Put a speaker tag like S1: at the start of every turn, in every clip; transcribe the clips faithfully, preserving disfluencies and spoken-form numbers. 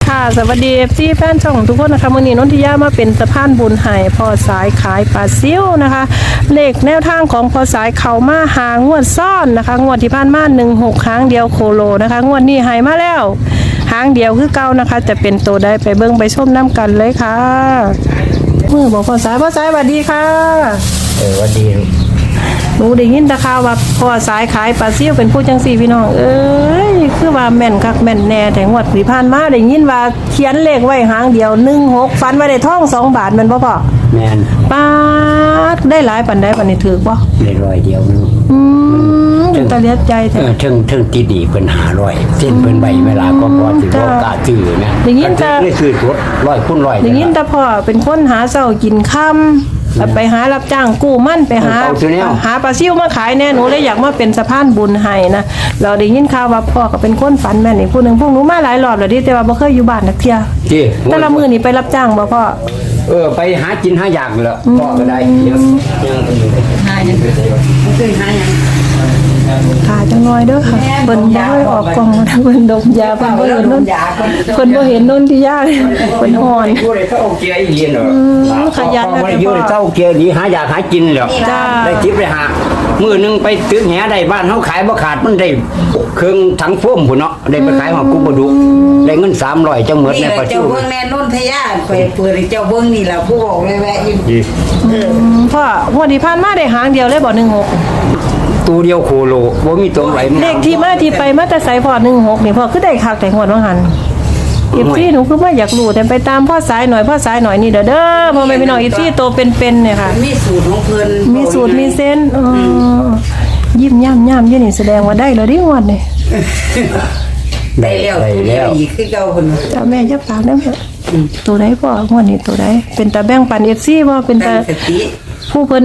S1: ค่ะสวัสดีเอฟซีแฟนช่องทุกคนนะคะวันนี้นนทิยามาเป็นสะพานบุญให้พอสายขายปลาซิวนะคะเลขแนวทางของพอสายเขามาหางวดซ่อนนะคะงวดที่ผ่านมาหนึ่งหกครั้งเดียวโคโลนะคะงวดนี้หายมาแล้วหางเดียวคือเก่านะคะจะเป็นตัวใดไปเบิ้งไปชมน้ำกันเลยค่ะมือบอกพอสายพอสายสวัสดีค่ะ
S2: เออวันดี
S1: หนูได้ยินตะข่าวว่าพอสายขายปลาซิวเป็นผู้จังสี่พี่น้องเอ้ยคือว่าแม่นคักแม่นแน่แต่งวดที่ผ่านมาได้ยินว่าเขียนเลขไว้หางเดียวหนึ่งหกฟันไว้ได้ทองสองบาทมันบ่พอ
S2: แม่น
S1: ป้าได้หลายปันได้ปันนี้ถือบ่
S2: ได้ร้อยเดียวนึง
S1: อืมตะเลียดใจแท้
S2: เออถึงถึงติดดีเพิ่นหาร้อยเส้นเพิ่นใบเวลาก็พอสิบ่กล้าซื้อนะ
S1: ได้ยินแต่
S2: ได้ซื้อตัวร้อยคูณร้อย
S1: ได้ยินแต่พ่อเป็นคนหาเช้ากินค่ำไปหารับจ้างกู้มั่นไปหาหาปลาซิวมาขายแน่หนูเลยอยากมาเป็นสะพานบุญให้นะเราได้ยินข่าวว่าพ่อก็เป็นคนฝันแม่นอีกผู้นึงพวกหนูมาหลายรอบแล้วดิแต่ว่าบ่เคยอยู่บ้านนักเที่ยแต่ละมื้อนี่ไปรับจ้างบ่พ่อ
S2: เออไปหากินหาอยากแล้วพ่อก็ได้เดี๋ยวยังหายังบ่เคยหายัง
S1: ขาจังน้อยเด้อค่ะเพิ่นบ่ให้ออกกล่องเพิ่นดมยาเพิ่นบ่เห็นนนเพิ่นบ่เห็นนนที่ยาเพิ่นฮ้อน
S2: อยู่ได้เท่าเกียร์อีเย็นเหรอ
S1: ขยันนะพ่อ
S2: อยู่ได้เท่าเกียร์นี่หาอยากหากินแล้วได้ทิปไปหามื้อนึงไปตึกแหได้บ้านเฮาขายบ่ขาดมันได้เครื่องถังโฟมพุ่นเนาะได้ไปขายหอกูบ่ดุได้เงินสามร้อยจังหมดในปัจจุบัน
S3: เจ้าเบิ่งแม่นนทยาไปเปิดให้เจ้าเบิ่งนี่ล่ะผู้บอกเลยแวะอยู่
S1: เออพ่องวดที่ผ่านมาได้หางเดียวเลยบ่หนึ่งหก
S2: ตัวเดียวโคโลบ่มีตัวไหล
S1: เลขที่มาที่ไปมาแต่ไสพ่อหนึ่งหกนี่พ่อคือได้คักแต่งวดว่าหั่นอีซี่หนูคือว่าอยากรู้แต่ไปตามพ่อสายหน่อยพ่อสายหน่อยนี่เด้อเด้อพ่อแม่พี่น้องอีซี่โตเป็นๆเนี่ยค่ะ
S3: มีสูตรของเพิ่น
S1: มีสูตรมีเส้นอ๋อยิ้มย่ำย่ำอยู่นี่แสดงว่าได้แล้วดิงวดนี่
S3: ได้แล้วตัวเดียวอีกคือเก่าเพิ่น
S1: จ้าแม่จะฝากได้มั้ยตัวใดพ่องวดนี้ตัวใดเป็นตาแบ่งปัน เอฟ ซี บ่เป็นตาผู้เพิ่น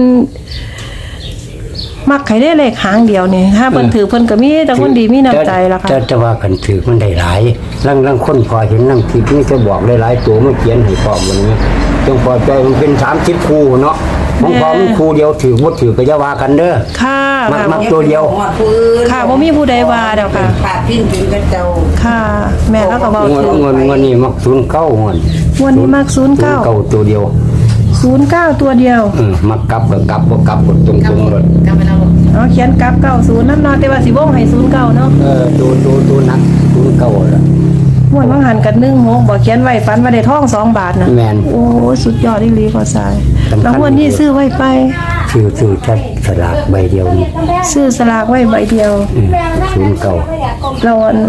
S1: มักใครได้เลขหางเดียวนี่ถ้าเพิ่นถือเพิ่นก็มีแต่คนดีมีน้ำใจล่ะค่ะ
S2: จะว่ากันถือมันได้หลายลังๆคนพอเห็นนั่งคิดนี่จะบอกได้หลายตัวมาเขียนให้พร้อมวันนี้จงพอใจมันเป็นสามสิบคู่เนาะของพอมันคู่เดียวถือบ่ถือก็อย่าว่ากันเด้อ
S1: ค่ะ
S2: มักมักตัวเดียว
S1: ค่ะบ่มีผู้ใดว่าดอกค่ะ
S3: ฝากพิ้นถึงกับเจ้า
S1: ค่ะแม่แล้วก็เว้า
S2: ถือเงินเงินนี่มักศูนย์เก้าเงิน
S1: วันนี้มักศูนย์เก้า
S2: เก้าตัวเดียว
S1: ศูนย์เก้าตัวเดียว
S2: เออมักกลับก็กลับบ่กลับก็ตรงๆเลย
S3: กลับไปแล้ว
S1: อ๋อเขียนกลับเก้าสิบนำเนาะแต่ว่าสิวงให้ศูนย์เก้าเนาะ
S2: เออตัวตัวตัวนักศูนย์เก้าล่ะ
S1: ม่วนบางหันกันหนึ่งหกบ่เขียนไว้ฝันว่าได้ทองสองบาทน่ะ
S2: แม่น
S1: โอ้สุดยอดอีหลีพอสายแล้ววันนี้ซื้อไว้ไป
S2: ซื้อซื้อแค่สลากใบเดียวนี่
S1: ซื้อสลากไว้ใบเดียว
S2: ศูนย์เก้า
S1: เราอัน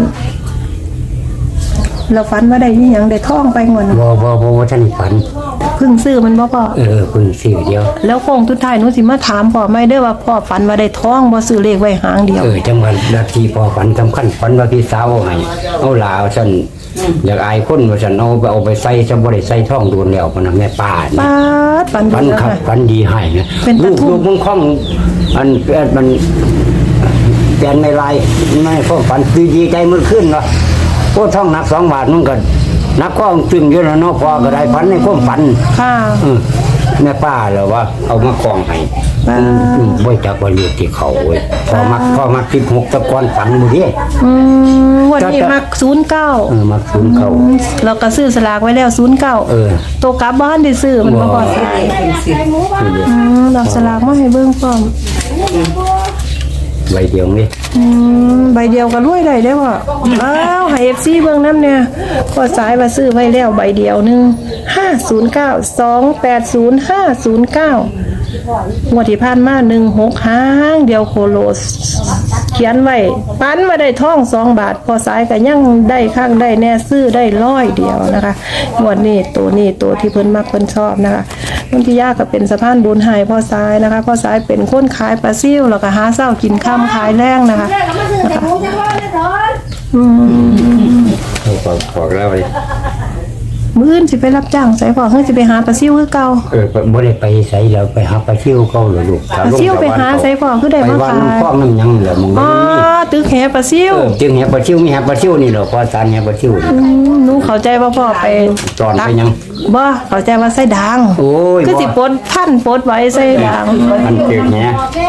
S1: เราฝันว่าได้ยี่หยังได้ท่องไปงวด
S2: บ่บ่บ่ว่าท่านฝัน
S1: เพิ่งซื้อมันบ่พ่อ
S2: เออเพิ่งซื้อเดียว
S1: แล้วโค้งสุดท้ายหนูสิมาถามพ่อไม่ได้ว่าพ่อฝันว่าได้ท่องบ่ซื้อเลขไว้หางเดียว
S2: เออจังหวัดนาทีพ่อฝันสำคัญฝันว่าพี่สาวให้เอาหลาซั่นอยากอายคนว่าซั่นเอาไปเอาไปใส่ซะบ่ได้ใส่ท่องโดนแล้วพุ่นน่ะแม่ป้า
S1: นี่ป้าฝัน
S2: ฝันครับฝันดีให้นะลูกลูกมึงคล่องอันมันแปลนในลายไม่พ่อฝันดีใจมันขึ้นเนาะโอ้ท่องหนักสองบาทมันก็นักข้องจึงอยู่แล้วเนาะพอก็ได้ฝันในความฝัน
S1: ค่ะ
S2: แม่ป้าเหรอว่าเอามาคล้องให้บ่จักว่าเรียกที่เขาเว้ยพอมักพอมักสิบหกตะกอนฝันบ่ดิ
S1: อืมวันนี้มักศูนย์เก้า
S2: เออมักศูนย์เก้า
S1: เราก็ซื้อสลากไว้แล้วศูนย์เก้า
S2: เออ
S1: ตัวกลับบ้านได้ซื้อมันบ่พอสิอืมเราสลากมาให้เบิ่งพร้อม
S2: ใบเดียวนี่
S1: อืมใบเดียวก็รวยได้เด้อพ่ออ้าวให้ เอฟ ซี เบิ่งนำเนี่ยพอสายว่าซื้อไว้แล้วใบเดียวนึงห้าศูนย์เก้า สองแปดศูนย์ ห้าศูนย์เก้างวดที่ผ่านมาหนึ่งหกหางเดียวโคโลเขียนไว้ปันมาได้ทองสองบาทพอสายก็ยังได้ข้างได้แน่ซื้อได้ร้อยเดียวนะคะงวดนี้ตัวนี้ตัวที่เพิ่นมักเพิ่นชอบนะคะนนทิยาก็เป็นสะพานบุญให้พ่อสายนะคะพ่อสายเป็นคนขายปลาซิ่วแล้วก็หาเช้ากินค่ำขายแรงนะคะนะคะอืม
S2: เขาบอกแล้วเลย
S1: มื้ออื่นสิไปรับจ้างใส่พ่อเฮ้ยสิไปหาปลาซิ่วคือเก่า
S2: เออบ่ได้ไปใส่แล้วไปหาปลาซิ่วเก่าเลยลูก
S1: ปลาซิ่วไปหาใส่พ่อคือได้มาขาย
S2: ไปวันพ่อน้ำยังเหลือมึง
S1: อ๋อตึกแหปลาซิ่ว
S2: เออตึกแหปลาซิ่วมีแหปลาซิ่วนี่เหรอพอสารแหปลาซิ่ว
S1: อืมหนูเข้าใจว่าพ่อไป
S2: ตอนไปยัง
S1: บ่เข้าใจว่าใส่ด่าง
S2: โอ้ย
S1: คือสิปดท่านปดไว้ใส่ด่าง
S2: มันตึกแห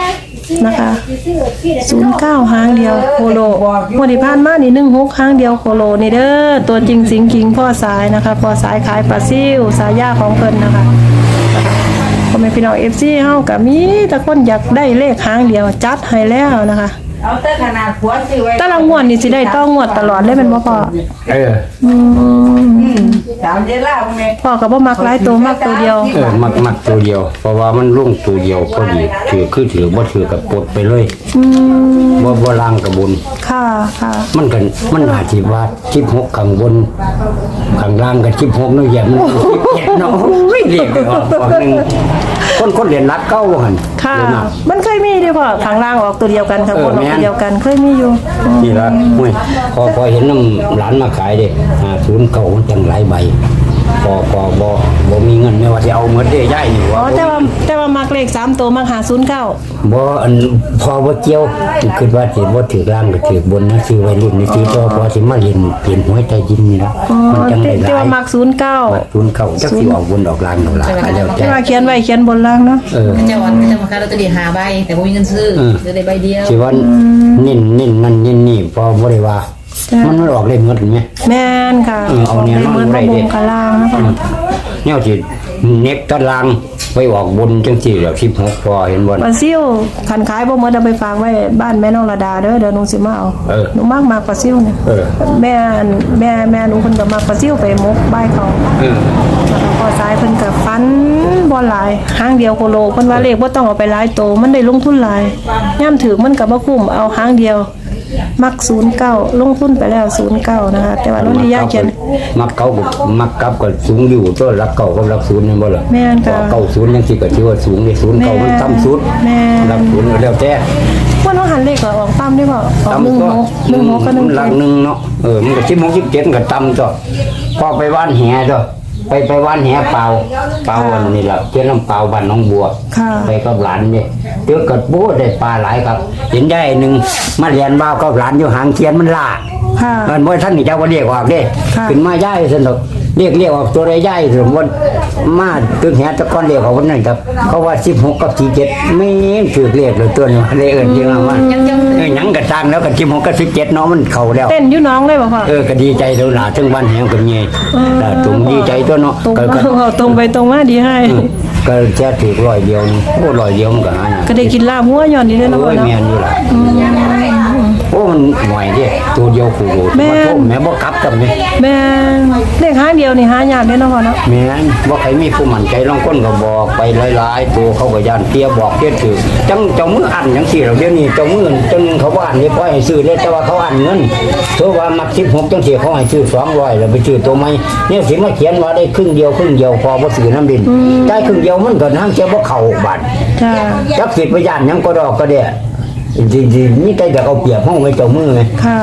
S1: นะคะศูนย์เก้าหางเดียวโคโลงวดที่ผ่านมานี่หนึ่งหกหางเดียวโคโลนี่เด้อตัวจริงสิงคิงพ่อสายนะคะพ่อสายขายปลาซิวสายยาของเพิ่นนะคะพ่อแม่พี่น้อง เอฟ ซี เฮาก็มีแต่คนอยากได้เลขหางเดียวจัดให้แล้วนะคะ
S3: เอาแต่ขนาดผัวซื้อไว้
S1: แต่ละงวดนี่สิได้ต้องงวดตลอดเลยแม่นบ่พ่อ
S2: เออ
S1: อืม
S3: อืมสามเดือนละแม่
S1: พ่อก็บ่มักหลายตัวมักตัวเดียว
S2: เออมักมักตัวเดียว เพราะว่ามันลุ่งตัวเดียวพอดีถือคือถือบ่ถือกับปลดไปเลย
S1: อืม
S2: บ่บ่ล่างกับบุญ
S1: ค่ะค่ะ
S2: มันกันมันอาจสิว่าสิบหกข้างบนข้างล่างกับสิบหกเนาะแย่มันสิบเจ็ดเนาะโอ้ยเรียกได้ออกออกหนึงคนคนเรียนรักเก่าว่าหั่น
S1: ค่ะ
S2: เลยนะ
S1: มันเคยมีเด้อพ่อข้างล่างออกตัวเดียวกันข้างบนออกตัวเดียวกันเคยมีอยู่
S2: นี่ละห้วยพอพอเห็นน้ำหลานมาขายเด้อ่าศูนย์เก่ามันจังหลายใบพอพอบ่บ่มีเงินไม่ว่าจะเอาเงินได้ย่ายนี่
S1: อ๋อ
S2: ว่า
S1: แต่ว่าแต่ว่ามักเลขสามตัวมักหาศูนย์เก้า
S2: บ่อันพอบ่เกี่ยวคิดว่าสิบ่ถือล่างก็ถือบนนะซื้อไว้รุ่นนี่สิพอพอสิมาเรียนเปลี่ยนหวยใต้ดินนี่ละ
S1: อ๋อ
S2: มันจัง
S1: แต่
S2: ได้ห
S1: แต่
S2: ลาย
S1: ว่ามักศูนย์เก้า
S2: ศูนย์เก่าจักสิออกบนออกล่างดอกล่ะก็แล้วแต่
S1: แต่ว่าเขียนไว้เขียนบนล่างเนาะ
S2: เออ
S4: เจ้าวันเจ้ามาขายลอตเตอรี่หาใบแต่บ่มีเงินซื้อ
S2: เออ
S4: ซื้อได้ใบเดียว
S2: สิว่าเน้นเน้นนั่นเน้นนี่พอบ่ได้ว่า มันมันออกเลขหมดแม่
S1: แม่นค่ะ
S2: เออเอาเนี่ย
S1: เหมือน
S2: เอา
S1: มา
S2: ได้
S1: บ
S2: เด้
S1: งกะล่างนะพ่อ
S2: แนวที่เน็กตารางไปออกบนจังสี่แล้วสิบหกพอเห็นบ่
S1: ปลาซิ่วขันขายบ่หมดเอาไปฝากไว้บ้านแม่น้องระดาเด้อเดี๋ยวหนูสิมาเอา
S2: เออ
S1: หนูมากมากปลาซิ่วเนี่ย
S2: เออ
S1: แม่อันแม่แม่หนูเพิ่นก็มักปลาซิ่วไปมกบ้ายเขา
S2: เออ
S1: แล้วก็พอซ้ายเพิ่นก็ฟันบ่หลายหางเดียวโคโลเพิ่นว่าเลขบ่ต้องเอาไปหลายโตมันได้ลงทุนหลายย่ามถึกมันก็บ่คุ้มเอาหางเดียว มักศูนย์เก้าลงทุนไปแล้วศูนย์เก้านะคะแต่ว่ารุ่นที่ยากเขียน
S2: มักเก่าก็มักกลับก็สูงอยู่ตัวรักเก่ากับรักศูนย์นี่บ่ล่ะ
S1: แม่นค่ะ
S2: เก่าศูนย์จังซี่ก็ถือว่าสูงนี่ศูนย์เก่ามันต่ำสุด
S1: แม่น
S2: รักศูนย์ก็แล้วแต่
S1: ว่าน้องหันเลขก็ออกตามได้บ่ออกหนึ่ง
S2: ต่ำ
S1: ห
S2: ก็
S1: กหนึ่งหกก็หนึ่ง
S2: หลั
S1: เจ็
S2: ก
S1: ด
S2: หนึงเนาะเออมันก็สิบหก สิบเจ็ดก็ต่ำจ้ะพอไปว่านแหจ้ะไปไปว่านแหเปล่าเปล่าอันนี้ล่ะเจ้าน้ำเปล่าบ้านหนองบัว
S1: ค่ะ
S2: ไปกับหลานเนี่ยเดี๋ยวกัดโบ้ได้ปลาหลายครับ เห็นได้หนึ่งมาเรียนบ้าวกับหลานอยู่หางเทียนมันล่า
S1: ค่ะ
S2: มันบ่ท่านนี่เจ้าก็เรียกออกเด้
S1: ค่ะ
S2: ขึ้นมาย่ายสนุกเรียกเรียกออกตัวใดย่ายสมมติมาตึกแหตะก้อนเรียกออกวันนั้นครับเขาว่าสิบหกกับสี่เจ็ดไม่ถือเรียกเลยตัวนี้เลยเอิ้นจริงว่าเออหยังกระตังแล้วกับสิบหกกับสิบเจ็ดเนาะมันเข้าแล้ว
S1: เต้นอยู่น้องเลยบ่พ่อ
S2: เออก็ดีใจเท่าหนาถึงวันแหงกับเงี้ยแต่ตรงดีใจตัวเนาะ
S1: ตรง
S2: ก็
S1: มา
S2: ก็
S1: เอาตรงไปตรงมาดีให้
S2: ก็แค่ถือร้อยเดียวนี่โอ้ร้อยเดียวมันก็หายาก
S1: ก็ได้กินลาบหัวย้อนนี่เด้อเนาะ
S2: โอ้
S1: พ่อย เนาะ
S2: แม่นอยู่ล่ะโอ้มันหน่อยเดิตัวเดียวขู่โหด
S1: แม่
S2: มาน โทษแม่บ่กลับกับนี่
S1: แม่นเลขหางเดียวนี่หายากเด้อเนาะพ่อเนาะ
S2: แม่นบ่ใครมีผู้มั่นใจลองคนก็บอกไปหลายๆตัวเขาก็ย่านเตี้ยบอกเตี้ยถือจังเจ้ามืออันจังซี่แล้วเดี๋ยวนี้เจ้ามือจังเขาบ่อันนี่ปล่อยให้ซื้อเลยแต่ว่าเขาอันเงินเพราะว่ามักสิบหกจังซี่เขาให้ซื้อสองร้อยแล้วไปซื้อตัวใหม่เนี่ยสิมาเขียนว่าได้ครึ่งเดียวครึ่งเดียวพอบ่ซื้อน้ำดินได้ครึ่งเดียวมันก็นางเจ้าบ่เข้าบัด
S1: จ้า
S2: จักสิไปย่านหยังก็ดอกก็เด้จริงๆนี่แต่จะเอาเปรียบห้องไว้เจ้ามือไง
S1: ค่ะ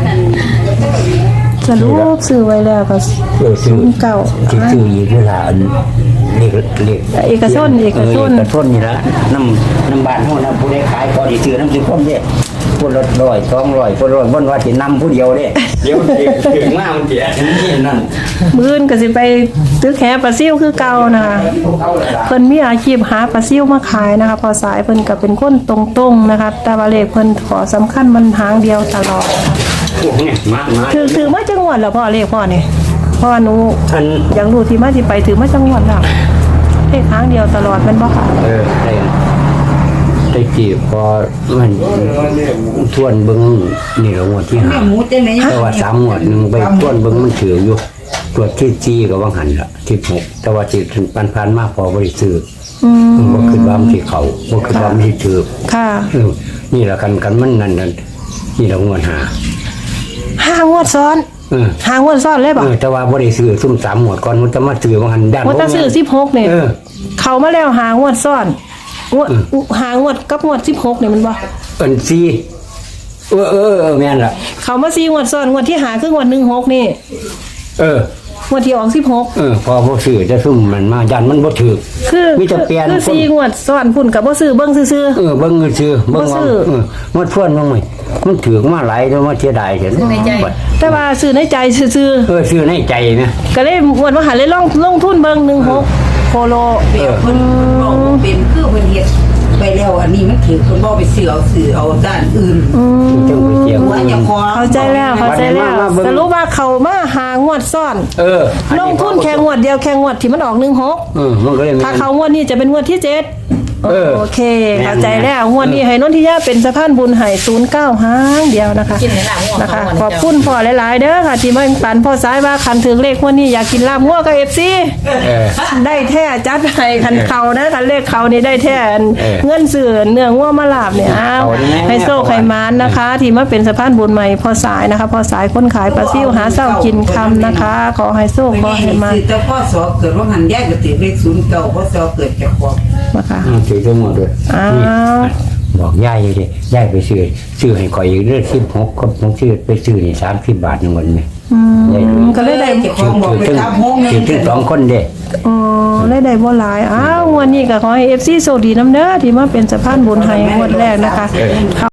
S1: สรุปซื้อไว้แล้วก็
S2: เออซื้อ
S1: เก่า
S2: ที่ซื้ออีกเวลาอันเรียกเรียก
S1: เอกชนเอกชน
S2: เอกชนนี่ละน้ำน้ำบ้านห้องน้ำผู้ใดขายพอดีซื้อน้ำซื้อคนเด้คนละร้อยสองร้อยคนร้อยบนว่าสินำผู้เดียวเด้เดี๋ยวถึงถึงมามันเสียนี่นั่น
S1: มื้อนก็สิไปตึกแหปลาซิ่วคือเก่านะคะเพิ่นมีอาชีพหาปลาซิ่วมาขายนะคะพอสายเพิ่นก็เป็นคนตรงๆนะคะแต่ว่าเลขเพิ่นขอสำคัญมันหางเดียวตลอด
S2: พวกเนี่ยมามา
S1: ถือถือมาจังหวัดแล้วพ่อเลขพ่อนี่พ่อหนู
S2: ท่าน
S1: อยากรู้ที่มาที่ไปถือมาจังหวัดแล้วเลขหางเดียวตลอดแมันบ่ค่ะ
S2: เออได้ได้จีบพอมันทวนเบิ้งนี่ละงวดที่
S3: แม่
S2: ห้า
S3: หมูจังไหน
S2: แต่ว่าสามงวดหนึ่งไปต้วนเบิ้งมันถืออยู่ตรวจที่จีกับวังหันละที่หกแต่ว่าที่ปันพันๆมากพอบริสุทธิ์
S1: อืม
S2: บ่คิดว่ามันสิเขาบ่คิดว่ามันสิถือ
S1: ค่ะ
S2: เออนี่ละกันกันมันนั่นนั่นนี่ละงวดหา
S1: ห้างวดซ้อน
S2: เออ
S1: ห้างวดซ้อนเลยบ่
S2: เออแต่ว่าบ่ได้ซื้อซุ่มสามงวดก่อนมันจะมาซื้อวังหันด้าน
S1: งวดถ้าซื้อสิบหกนี่
S2: เออ
S1: เข้ามาแล้วหางวดซ้อนงวดหางวดกับงวดสิบหกนี่มันบ่
S2: เอิ้นซีเออเออเออแม่นล่ะ
S1: เข้ามาสี่งวดซ้อนงวดที่หาคืองวดหนึ่งหกนี่
S2: เออ
S1: งวดที่ออกสิบหก
S2: เออพอบ่ซื้อจะซุ่มมันมายันมันบ่ถือ
S1: คือ
S2: มีแต่เปลี่ยน
S1: คือสี่งวดซ้อนพุ่นกับบ่ซื้อเบิ่งซื่อ
S2: เออเบิ่งเงินซื้อเบิ่ง
S1: บ่
S2: ว่า
S1: ซื้อ
S2: เออมันทวนลงไหมมันถือมาหลายแล้วมาเสียดายเห็น
S4: ในใจ
S1: ๆแต่ว่าซื้อในใจซื่อ
S2: เออซื้อในใจนะ
S1: ๆก็เลยงวดว่าหาเลยลงลงทุนเบิ่งหนึ่งหกโคโล
S3: เปรียบเพิ่นบอกว่าเป็นคือเพิ่นเฮ็ดไปแล้วอันนี้มันถือคนบ่ไปซื้อเอาซื้อเอาด้านอื่น
S1: อืม
S2: จังไปเจียง
S3: ว่าจะขอ
S1: เข้าใจแล้วเข้าใจแล้วสรุปว่าเขามาหางวดซ่อน
S2: เออ
S1: ลงทุนแค่งวดเดียวแค่งวดที่มันออกหนึ่งหก
S2: เออมันก็เลย
S1: ถ้าเขางวดนี้จะเป็นงวดที่เจ็ด
S2: เออ
S1: โอเคเข้าใจแล้วงวดนี้ให้นนทิยาเป็นสะพานบุญให้ศูนย์เก้าห้างเดียวนะคะ
S4: กินในหลังหัว
S1: นะคะ
S4: เขา
S1: ขอบคุณพ่อหลายๆเด้อค่ะ ที่มาปันพ่อสายว่าคันถึงเลขงวดนี้อยากกินลาบงัวกับเอฟซี
S2: เออ
S1: ได้แท้จัดให้คันเขานะคันเลขเขานี่ได้แท้
S2: เออ
S1: เงินสื่อเนื้องัวมาลาบเนี่ยอ้าว
S2: เอาได้ไหม
S1: ให้โซ่ไขมานนะคะ ที่มาเป็นสะพานบุญใหม่พ่อสายนะคะพ่อสายคนขายปลาซิ่วหาเศร้ากินคำนะคะ ขอให้โซ่ขอให้มา
S3: ซื้อแต่พ่อสอเกิดว่าหันแยกก็ติดเลขศูนย์เก่าพ่อสอเกิดจากของ
S1: นะคะ
S2: อืมถือทั้งหมดเลย
S1: อ้าว
S2: นี่บอกย่ายอยู่ดิย่ายไปซื้อซื้อให้ข่อยอีกเรื่องสิบหกก็ผมซื้อไปซื้อนี่สามสิบบาทหนึ่งวันไหมย่ายดู
S1: ก็เลยได้
S3: เจ้าของบอกไป
S2: ถือ
S3: ตามห้องนึ
S2: ถือง ถึงสองคนเด้
S1: อ๋อได้ได้บ่หลายอ้าวงวดนี้ก็ขอให้เอฟซีโชคดีน้ำเด้อที่มาเป็นสะพานบุญให้งวดแรกนะคะ